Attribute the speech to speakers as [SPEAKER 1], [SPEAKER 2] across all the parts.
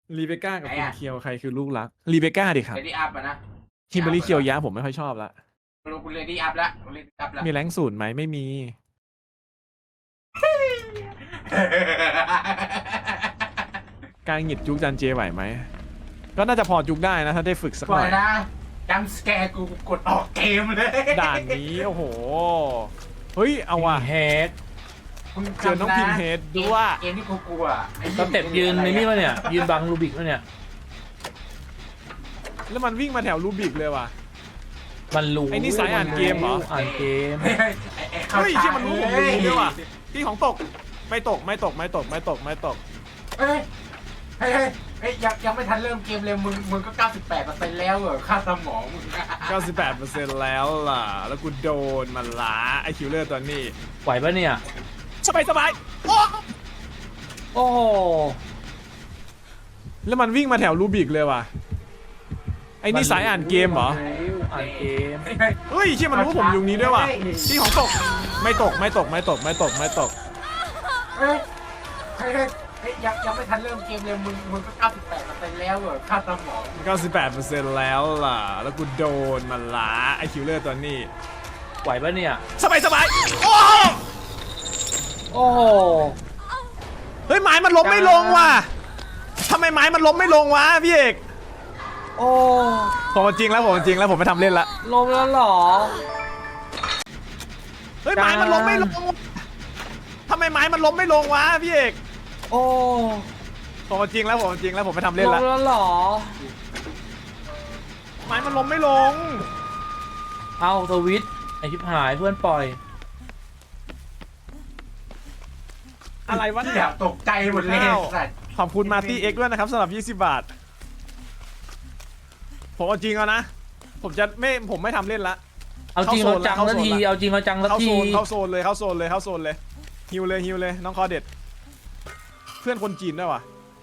[SPEAKER 1] รีเบคก้ากับ
[SPEAKER 2] ไหน
[SPEAKER 1] คุณ
[SPEAKER 2] อะ
[SPEAKER 1] เคียวใครคือลูกรักรีเบคก้าดิครับ
[SPEAKER 2] เลดี้อัพอะนะ
[SPEAKER 1] คิมเบอรรี่เคียวยะผมไม่ค่อยชอบละ
[SPEAKER 2] ไม่รู้คุณเลดี้อัพละคุณเลดี้อัพละ
[SPEAKER 1] มีแรงศูนย์ไหมไม่มี การหงิดจุกจันเจไหวไหมก็น่าจะพอจุกได้นะถ้าได้ฝึกสักห
[SPEAKER 2] ก่อ
[SPEAKER 1] น่
[SPEAKER 2] น
[SPEAKER 1] อย
[SPEAKER 2] นะจัมสแกร์กูกดออกเกมเลย
[SPEAKER 1] ด่านนี้โอ้โหเฮ้ยเอาว่ะ
[SPEAKER 3] เฮด
[SPEAKER 2] มึ
[SPEAKER 1] เจอน้องพิมพ์เฮดด้วย
[SPEAKER 2] เกมที่กูกลัวไอ้
[SPEAKER 3] สเต็ปยืนในนี่วะเนี่ยยืนบังรูบิกวะเนี่ย
[SPEAKER 1] แล้วมันวิ่งมาแถวรูบิกเลยว่ะ
[SPEAKER 3] มันรู้
[SPEAKER 1] ไอ้นี่สายอ่านเกมเหรอ
[SPEAKER 3] อ่านเกม
[SPEAKER 2] เฮ้ยเข้า
[SPEAKER 1] เฮ้ย
[SPEAKER 2] ฉาก
[SPEAKER 1] ที่มันรู้ผมรู้ด้วยว่ะพี่ของตกไม่ตกไม่ตกไม่ตกไม่ตกไม่ตก
[SPEAKER 2] เฮ้ยเฮ้ยเฮ้ยยังไม่ทันเริ่มเกมเลยมึงก็ 98%แล้วเหรอค่าสมองมึง
[SPEAKER 1] 98%แล้วล่ะแล้วกูโดนมันละไอคิวเลอร์ตัวนี้
[SPEAKER 3] ไหวปะเนี่ย
[SPEAKER 1] สบายสบายโอ้
[SPEAKER 3] โอ้โห
[SPEAKER 1] แล้วมันวิ่งมาแถวรูบิกเลยว่ะไอ้นี่สายอ่านเกมเหรอ
[SPEAKER 3] อ่านเกม
[SPEAKER 1] เฮ้ยเชี่ยมันรู้ผมอยู่นี้ด้วยว่ะพี่ของตกไม่ตกไม่ตกไม่ตกไม่ตกไม่ตก
[SPEAKER 2] เฮ้ยเฮ้ยเฮ้ยยังไม่ทันเริ่มเกมเลยมึงก็ 98%แล้วเหรอค่าสมอง
[SPEAKER 1] 98%แล้วล่ะแล้วกูโดนมันละไอคิวเลอร์ตัวนี้
[SPEAKER 3] ไหวปะเนี่ย
[SPEAKER 1] สบายสบายโอ้
[SPEAKER 3] โอ้โห
[SPEAKER 1] เฮ้ยไม้มันล้มไม่ลงว่ะทำไมไม้มันล้มไม่ลงวะพี่เอก
[SPEAKER 3] โอ้
[SPEAKER 1] ผมจริงแล้วผมจริงแล้วผมไม่ทำเล่นละ
[SPEAKER 3] ลงแล้วเหรอ
[SPEAKER 1] เฮ้ยไม้มันล้มไม่ลงทำไมไม้มันล้มไม่ลงวะพี่เอก
[SPEAKER 3] โอ้
[SPEAKER 1] ผมจริงแล้วผมจริงแล้วผมไม่ทำ
[SPEAKER 3] ล
[SPEAKER 1] เล่น
[SPEAKER 3] ง
[SPEAKER 1] ละ
[SPEAKER 3] แล้วเหรอ
[SPEAKER 1] ไม้มันล้มไม่ลง
[SPEAKER 3] เอาทวิตไอชิบหายเพื่อนปล่อย
[SPEAKER 1] อะไรวะ
[SPEAKER 2] อ
[SPEAKER 1] เนี่ย
[SPEAKER 2] ยากตกใจหมดเลยสัตว์
[SPEAKER 1] ขอบคุณมาร์ตี้เอ็กด้วยนะครับสำหรับ20 บาทผมเอาจริงแล้วนะผมไม่ทำเล่นละ
[SPEAKER 3] เอาจริงเอาจังสักทีเอาจริงเอาจังสัก
[SPEAKER 1] เข้า
[SPEAKER 3] ที
[SPEAKER 1] โซนเข้าโซนเลยเข้าโซนเลยเข้าโซนเลยฮิวเลยฮิวเลยน้องคอเด็ดเพื่อนคนจีนด้วยวะ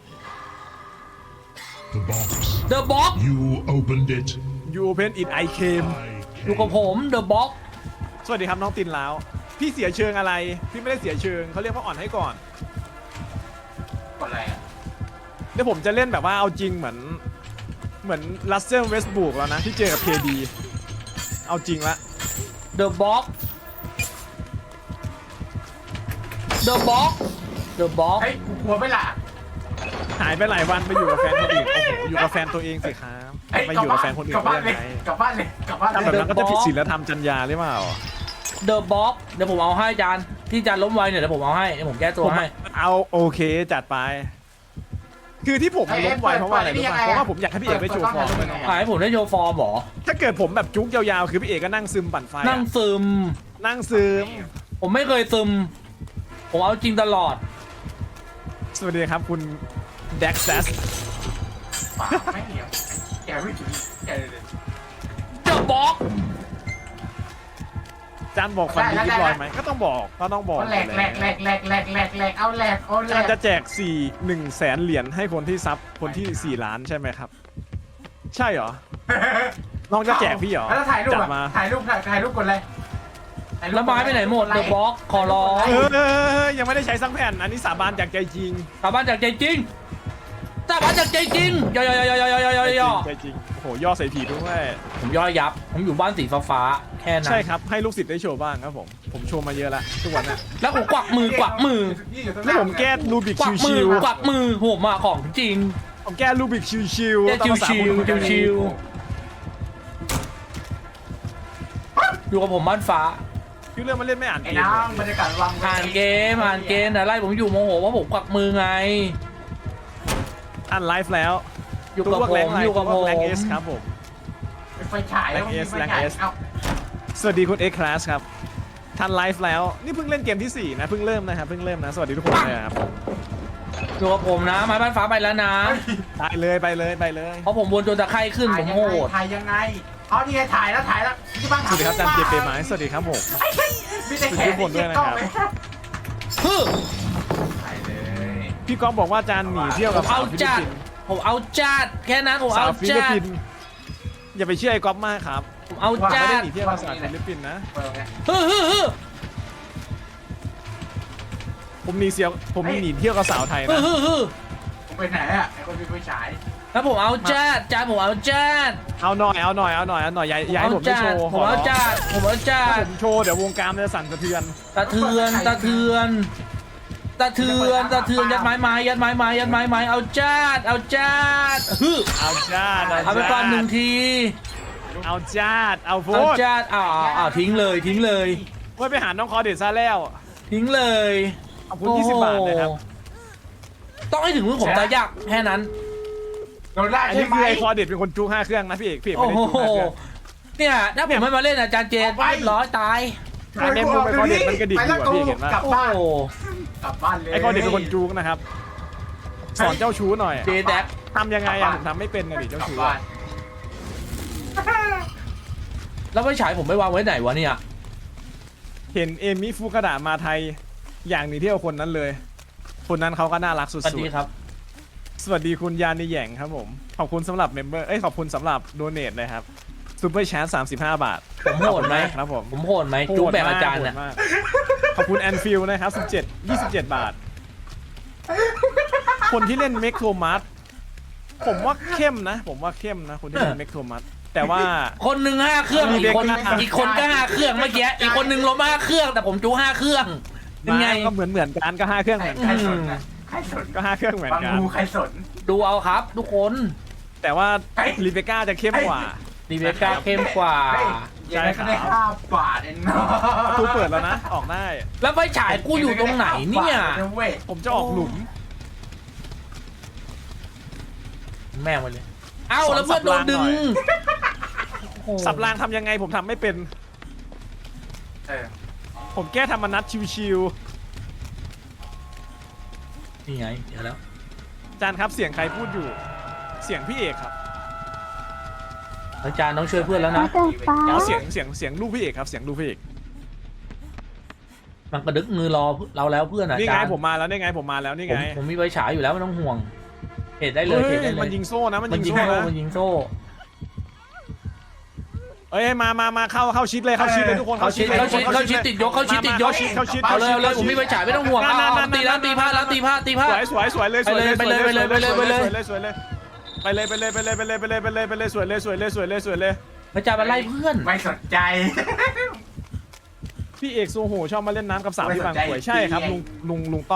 [SPEAKER 4] The box.
[SPEAKER 3] เดอะบ็อก
[SPEAKER 4] You opened it.
[SPEAKER 1] You open it I came
[SPEAKER 3] อยู่กับผมเดอะบ็อก
[SPEAKER 1] สวัสดีครับน้องตินแล้วพี่เสียเชิงอะไรพี่ไม่ได้เสียเชิงเขาเรียกว่าอ่อนให้ก่อน
[SPEAKER 2] กดอะไรอ่ะ
[SPEAKER 1] เดี๋ยวผมจะเล่นแบบว่าเอาจริงเหมือนรัสเซลเวสบุกแล้วนะที่เจอกับเคดีเอาจริงละ
[SPEAKER 3] เดอะบ็อกเดอะบ็อกเดอะบ็อก
[SPEAKER 2] เฮ้ยกูกลัวไม่ล่ะ
[SPEAKER 1] หายไปหลายวันไปอยู่กับแฟนคนอื่นโอ้โหอยู่กับแฟนตัวเองสิครับ
[SPEAKER 2] เฮ้ย
[SPEAKER 1] ไปอยู่กับแฟนคนอื่น
[SPEAKER 2] กลับ
[SPEAKER 1] ได้
[SPEAKER 2] บ้าน
[SPEAKER 1] ยัง
[SPEAKER 2] เลย
[SPEAKER 1] ไง
[SPEAKER 2] กลับบ้านเลยกลับบ้าน
[SPEAKER 1] ทำ
[SPEAKER 2] เล
[SPEAKER 1] แบบ
[SPEAKER 2] ย
[SPEAKER 1] นั้นก็จะผิดศีลธรรมจรรยาหรือเปล่า
[SPEAKER 3] เดอะบ็อกเดี๋ยวผมเอาให้จานที่จานล้มไวเนี่ยเดี๋ยวผมเอาให้เดี๋ยวผมแก้ตัวให้
[SPEAKER 1] เอาโอเคจัดไป คือที่ผมล้มไวเพราะว่าอะไรรู้ป่ะเพราะว่าผมอยากให้พี่เอกได้โชว์ฟอร์มด้วยน้อง
[SPEAKER 3] ขายให้ผมได้โชว์ฟอร์มเหรอ
[SPEAKER 1] ถ้าเกิดผมแบบจุกยาวๆคือพี่เอกก็นั่งซึมปั่นไฟอะ
[SPEAKER 3] นั่งซึม
[SPEAKER 1] นั่งซึม
[SPEAKER 3] ผมไม่เคยซึม ผมเอาจริงตลอด
[SPEAKER 1] สวัสดีครับคุณแด็กซัส
[SPEAKER 2] ปากไม่เหนียวแกไม่ถึงแกเลย
[SPEAKER 3] เดอะบ็อก
[SPEAKER 1] จานบอกฟันดิบลอยไหมก็ต้องบอก
[SPEAKER 2] เอาแหลกแหลกแหลกแหลกแหลกแหลกแหลกเอาแหลกเอาแหล
[SPEAKER 1] จาน
[SPEAKER 2] ก
[SPEAKER 1] จะแจก1 แสนเหรียญให้คนที่ซับคนที่4 ล้านใช่ไหมครับ ใช่เหรอน้องจะแจกพี่เหรอ
[SPEAKER 2] แล้วถ่ายรูป
[SPEAKER 1] จัด
[SPEAKER 2] อ่ะ
[SPEAKER 1] มา
[SPEAKER 2] ถ่ายรูปกดเลย
[SPEAKER 3] แล้วไม้ไปไหนหมดเดอะบ็อกขอร้อง
[SPEAKER 1] ยังไม่ได้ใช้สักแผ่นอันนี้สาบานจากใจจริง
[SPEAKER 3] สาบานจากใจจริงสาบานจากใจจริงย่อย่อ
[SPEAKER 1] ใจจริงโอ้โหย่อใส่ผีด้วย
[SPEAKER 3] ผมย่อยับ ผมอยู่บ้านสีฟ้าๆแค่นั้น
[SPEAKER 1] ใช่ครับให้ลูกศิษย์ได้โชว์บ้างครับผมโชว์มาเยอะแล้วทุกวันน่ะ
[SPEAKER 3] แล้วผมกวักมือกวักมือ
[SPEAKER 1] แล้วผมแก้รูบิก
[SPEAKER 3] กวักมื
[SPEAKER 1] ชิ
[SPEAKER 3] อ
[SPEAKER 1] ว
[SPEAKER 3] กวักมือผมอะของจริง
[SPEAKER 1] ๆผมแก้รูบิกชิว
[SPEAKER 3] แก้
[SPEAKER 1] ๆตามภาษา
[SPEAKER 3] ชิว
[SPEAKER 1] คน
[SPEAKER 3] ๆชิวๆอยู่กับผมบ้านฟ้า
[SPEAKER 1] คือเรื่องมันเล่นไม่อ่าน
[SPEAKER 2] ไอ้
[SPEAKER 1] เกม
[SPEAKER 2] น้องบรรยากาศวัง
[SPEAKER 3] อ่านเกมอะไรผมอยู่โมโหว่าผมกวักมือไง
[SPEAKER 1] อ่านไลฟ์แล้ว
[SPEAKER 3] อยู่กับผมอยู่กับผม
[SPEAKER 1] แรงเอสครับผม
[SPEAKER 2] ไฟฉายแล้วมีไฟฉายเอา
[SPEAKER 1] สวัสดีคุณเอ็กคลาสครับทันไลฟ์แล้วนี่เพิ่งเล่นเกมที่ 4 นะเพิ่งเริ่มนะครับเพิ่งเริ่มนะสวัสดีทุกคนเลยครับ
[SPEAKER 3] อยู่กับผมนะไม้บ้านฟ้าไปแล้วนะ
[SPEAKER 1] ไปเลยไปเลยไปเลย
[SPEAKER 3] เพราะผมวนจนตะไคร่ขึ้นผมโหด
[SPEAKER 2] ถ่ายยังไงเอานี่ไงถ่ายแล้วที่บ้าน
[SPEAKER 1] สวัสดีครับจันเจเปไม้สวัสดีครับผม
[SPEAKER 2] มีแต่แขน
[SPEAKER 1] ทุกคนด้วยนะครับ
[SPEAKER 3] ฮึ
[SPEAKER 2] ถ่ายเลย
[SPEAKER 1] พี่ก๊อฟบอกว่าจานหนีเที่ยวกับสา
[SPEAKER 3] เอา
[SPEAKER 1] วฟิลิป
[SPEAKER 3] จัด
[SPEAKER 1] ปินส์
[SPEAKER 3] ผมเอาจัดแค่นั้นผม
[SPEAKER 1] สา
[SPEAKER 3] เอา
[SPEAKER 1] วฟิลิป
[SPEAKER 3] จั
[SPEAKER 1] ปิ
[SPEAKER 3] ด
[SPEAKER 1] นส์อย่าไปเชื่อไอ้ก๊อฟมากครับ
[SPEAKER 3] ผมเอา
[SPEAKER 1] ไม่
[SPEAKER 3] จั
[SPEAKER 1] ได้
[SPEAKER 3] ด
[SPEAKER 1] หนีเที่ยวกับสาวฟิลิปปินส์นะ
[SPEAKER 3] ฮึ
[SPEAKER 1] ผมหนีเที่ยวกับสาวไทยนะ
[SPEAKER 3] ฮึ
[SPEAKER 1] ผ
[SPEAKER 2] ไปไหนอ่ะไอ้คนมีไฟฉาย
[SPEAKER 3] แล้วผมเอาจัดจานผมเอาจัด
[SPEAKER 1] เอาหน่อยอย่าให้ผมไม่โชว์
[SPEAKER 3] ผมเอาจัดผมเอาจัด
[SPEAKER 1] ผมโชว์เดี๋ยววงการมันจะสั่นสะเทือน
[SPEAKER 3] ตะเทือนยัดไม้ยัดไม้เอาจัดฮึ
[SPEAKER 1] เอาจ้า
[SPEAKER 3] เอาไปก่อน1 ที
[SPEAKER 1] เอาจ้าเอาโฟ
[SPEAKER 3] เอา
[SPEAKER 1] ด
[SPEAKER 3] จัดอ้าวทิ้งเลย
[SPEAKER 1] เพื่อไปหาน้องคอเด็ดซะแล้ว
[SPEAKER 3] ทิ้งเลย
[SPEAKER 1] ขอบคุณ20 บาทนะครับ
[SPEAKER 3] ต้องให้ถึงมือผมตายากแค่นั้น
[SPEAKER 2] โดนล่า
[SPEAKER 1] อัน
[SPEAKER 2] ใช่
[SPEAKER 1] นี้
[SPEAKER 2] ไหม
[SPEAKER 1] คือไอคอเด็ดเป็นคนจู้5 เครื่องนะพี่เอกไม่
[SPEAKER 3] โอ้
[SPEAKER 1] ได้
[SPEAKER 3] โห
[SPEAKER 1] จู้5 เครื่อง
[SPEAKER 3] เนี่ยถ้าผมไม่มาเล่นอาจารย์เจนเรียบร้อยตาย
[SPEAKER 1] ไอเมมมุมไอคอเด็ดมันกระดิกอยู่อะพี่เห็นปะ
[SPEAKER 2] กลับ
[SPEAKER 3] โอ้
[SPEAKER 2] บ้าน
[SPEAKER 3] โห
[SPEAKER 2] กลับบ้านเลย
[SPEAKER 1] ไอคอเด็ดเป็นคนจู้นะครับ สอนเจ้าชู้หน่อย
[SPEAKER 3] เจแดก
[SPEAKER 1] ทำยังไงอะผมทำไม่เป็นไงดิเจ้าก
[SPEAKER 2] ลับ
[SPEAKER 1] ชู้
[SPEAKER 2] บ้า
[SPEAKER 1] อะ
[SPEAKER 2] น
[SPEAKER 3] แล้วไฟฉายผมไม่วางไว้ไหนวะเนี่ย
[SPEAKER 1] เห็นเอมิฟุกะดะมาไทยอย่างหนี้ที่เอาคนนั้นเลย คนนั้นเขาก็น่ารักสุ
[SPEAKER 3] สวัส
[SPEAKER 1] ด
[SPEAKER 3] ดีครับ
[SPEAKER 1] ๆสวัสดีคุณยานิแหย่งครับผมขอบคุณสำหรับเมมเบอร์ขอบคุณสำหรับโดเนทเลยครับซูเปอร์แชร์35 บาท
[SPEAKER 3] ผมโหดไหม
[SPEAKER 1] ขอบคุณากครับผม
[SPEAKER 3] ผมโหดไหมจุ๊บแบบอาจารย์
[SPEAKER 1] โห
[SPEAKER 3] น่ะ
[SPEAKER 1] ดมากขอบคุณแอนฟิลนะครับ27 บาท คนที่เล่นเมกโทมัสผมว่าเข้มนะคนที่เล่นเมกโทมัสแต่ว่า
[SPEAKER 3] คนหนึ่ง5 เครื่อง
[SPEAKER 1] มี
[SPEAKER 3] อี
[SPEAKER 1] เด็
[SPEAKER 3] ก
[SPEAKER 1] ก
[SPEAKER 3] คน
[SPEAKER 1] หน้า
[SPEAKER 3] อีกคนก็5 เครื่องเมื่อกี้อีกคนหนึ่งล้ม5 เครื่องแต่ผมจู5 เครื่องยังไง
[SPEAKER 1] ก็เหมือนกันก็5 เครื่องเหมือน
[SPEAKER 2] ใค
[SPEAKER 1] กั
[SPEAKER 2] ร
[SPEAKER 1] น
[SPEAKER 2] สนนะใครสน
[SPEAKER 1] ก็5 เครื่องเหมือน
[SPEAKER 2] บาง
[SPEAKER 1] กัน
[SPEAKER 2] งูใครสน
[SPEAKER 3] ดูเอาครับ ทุกคน
[SPEAKER 1] แต่ว่าลิเบก้าจะเข้มกว่า
[SPEAKER 3] ดีเบก้าเข้มกว่า
[SPEAKER 2] ใช่ครับได้5 บาทเองเนาะ
[SPEAKER 1] ประตูเปิดแล้วนะออกได้
[SPEAKER 3] แล้วไฟฉายกูอยู่ตรงไหนเนี่ย
[SPEAKER 2] เว้ย
[SPEAKER 1] ผมจะออกหลุม
[SPEAKER 3] แม่งไปเลยเอ้าแล้วเพื่อนโดนดึง
[SPEAKER 1] สับรางทำยังไงผมทำไม่เป็น
[SPEAKER 2] เออ
[SPEAKER 1] ผมแก้ธรรมนัตชิว
[SPEAKER 3] นี่ไงเดี๋ยวแล้ว
[SPEAKER 1] ๆจานครับเสียงใครพูดอยู่ เสียงพี่เอกครับ
[SPEAKER 3] อาจารย์ต้องช่วยเพื่อนแล้วนะ
[SPEAKER 1] อ๋อเสียงลูกพี่เอกครับเสียงลูกพี่เอก
[SPEAKER 3] มันกระดึกมือรอเราแล้วเพื่อนอา
[SPEAKER 1] นี่
[SPEAKER 3] จา
[SPEAKER 1] ไง
[SPEAKER 3] รย์
[SPEAKER 1] ผมมาแล้วนี่ไงผมมาแล้วนี่
[SPEAKER 3] ผม
[SPEAKER 1] ไง
[SPEAKER 3] ผมมีไฟฉายอยู่แล้วไม่ต้องห่วงเหตุได้เลย
[SPEAKER 1] เฮ้
[SPEAKER 3] เหตุได้
[SPEAKER 1] ย
[SPEAKER 3] เลย
[SPEAKER 1] มันยิงโซ่นะมัน
[SPEAKER 3] มัน
[SPEAKER 1] ยิ
[SPEAKER 3] ยิ
[SPEAKER 1] ง
[SPEAKER 3] ง
[SPEAKER 1] โซ่
[SPEAKER 3] โซ่
[SPEAKER 1] นะ
[SPEAKER 3] มันยิงโซ่
[SPEAKER 1] เอ้ยมาเข้าชิดเลยเข้าชิดเลยทุกคน
[SPEAKER 3] เขาชิดติดยกเข้าชิดติดยก
[SPEAKER 1] เข้าชิด
[SPEAKER 3] เอาเลยผมมีไฟฉายไม่ต้องห่วงเอาตีแล้วตีพลาดแล้วตีพลาด
[SPEAKER 1] สวยเลยสวยเลย
[SPEAKER 3] ไปเลย
[SPEAKER 1] สวยเลยไปเลยไปเลยสวยเลยสวยเลย
[SPEAKER 3] พระเจ้ามาไล่เพื่อน
[SPEAKER 2] ไม่สนใจ
[SPEAKER 1] พี่เอกโซโหชอบมาเล่นน้ำกับสาวที่บางกรวยใช่ครับลุงต้อง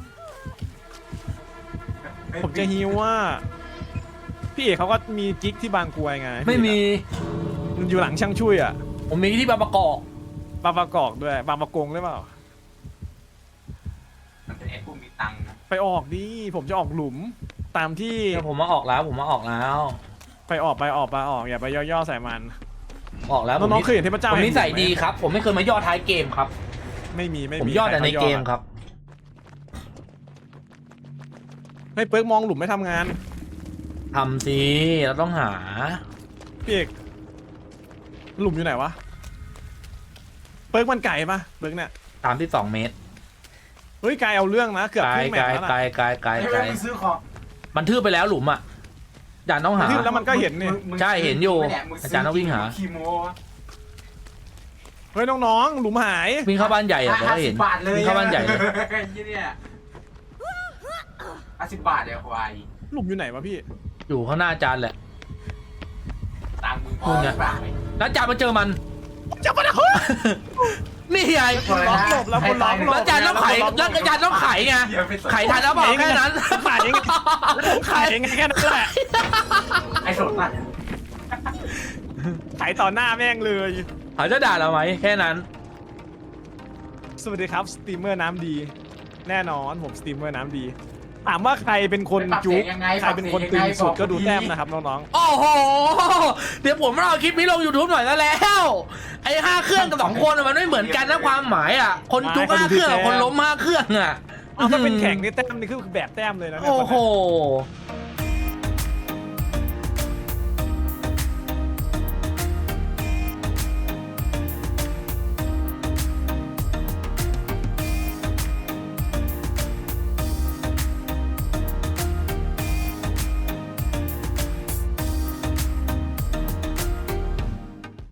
[SPEAKER 1] ผมจะฮิวว่า พี่เอกเขาก็มีกิ๊กที่บางกรวยไง
[SPEAKER 3] ไม่มี
[SPEAKER 1] มันอยู่หลังช่างช่วยอ่ะ
[SPEAKER 3] ผมมีที่บางประกอบ
[SPEAKER 1] บางประกอบด้วยบางประกงหรือเปล่า
[SPEAKER 2] มันเป็นไอ้ผู้มีตังค์นะ
[SPEAKER 1] ไปออกดิผมจะออกหลุมตามที่
[SPEAKER 3] ผมมาออกแล้ว
[SPEAKER 1] ไปออกอย่าไปย่อๆใส่มัน
[SPEAKER 3] ออกแล้ว
[SPEAKER 1] น้องๆเคยเห็นเทพเจ้า
[SPEAKER 3] ผมนิสัยดีครับ ผมไม่เคยมาย่อท้ายเกมครับ
[SPEAKER 1] ไม่มี
[SPEAKER 3] ผมย่อแต่ในเกมครับ
[SPEAKER 1] ให้เปิร์กมองหลุมไม่ทำงาน
[SPEAKER 3] ทำสิเราต้องหา
[SPEAKER 1] พี่เอกหลุมอยู่ไหนวะเปิร์กมันไก่ปะเปิร์กเนี่ย
[SPEAKER 3] 32 เมตร
[SPEAKER 1] เฮ้ยไก่เอาเรื่องนะเกือบครึ่งแมตช์แล้วนะ
[SPEAKER 3] ไกล
[SPEAKER 2] ไม่ได้ไปซื้อของ
[SPEAKER 3] มันทืบไปแล้วหลุมอ่ะอาจารย์ต้องหา
[SPEAKER 1] แล้วมันก็เห็นนี่
[SPEAKER 3] ใช่เห็นอยู่อาจารย์ต้องวิ่งหา
[SPEAKER 2] คีโม
[SPEAKER 1] เฮ้ยน้องๆหลุมหาย
[SPEAKER 3] วิ่งเข้าบ้านใหญ่อะเดี๋ยวก็เห็น
[SPEAKER 2] 50 บาทเลย
[SPEAKER 3] วิ่งเข้าบ้านใหญ่เลย
[SPEAKER 2] ยี่เนี่ย50 บาทเลยควาย
[SPEAKER 1] หลุมอยู่ไหนวะพี่
[SPEAKER 3] อยู่ข้างหน้าอาจารย์แหละ
[SPEAKER 2] ตังค์มึงพ
[SPEAKER 3] คุ
[SPEAKER 2] อ
[SPEAKER 3] ณ
[SPEAKER 2] ห
[SPEAKER 3] ไง
[SPEAKER 2] รือเปล่า
[SPEAKER 3] แล้วอาจารย์มาเจอมัน
[SPEAKER 1] จะมาเฮ้ย
[SPEAKER 3] นี่ไง
[SPEAKER 1] คนล็อกหลบแล้วคนล็อกหลบ
[SPEAKER 3] แล้วอาจารย์ต้องไขแล้วอาจารย์ต้องไขไงไขทันแล้วเปล่าแค่นั้น
[SPEAKER 1] ขายเองผมขายเองแค่นั้นแหละ
[SPEAKER 2] ไอ้สดน่ะ
[SPEAKER 1] ขายต่อหน้าแม่งเลย
[SPEAKER 3] เขาจะด่าเราไหมแค่นั้น
[SPEAKER 1] สวัสดีครับสตรีมเมอร์น้ำดี แน่นอนผมสตรีมเมอร์น้ำดี ถามว่าใครเป็นคนจุ๊กใครเป็นคนตึงสุดก็ดูแต้มนะครับน้อง
[SPEAKER 3] โอ้โหเดี๋ยวผมเอาคลิปนี้ลง YouTube หน่อยแล้ว ไอ้5 เครื่องกับ2 คนมันไม่เหมือนกันนะความหมายอ่ะคนจุก5 เครื่องกับคนล้ม5 เครื่องอ่ะ
[SPEAKER 1] ๆเอาถ้าเป็นแข่งนี่แต้มนี่คือแบบแต้มเลยนะ
[SPEAKER 3] โอ้โห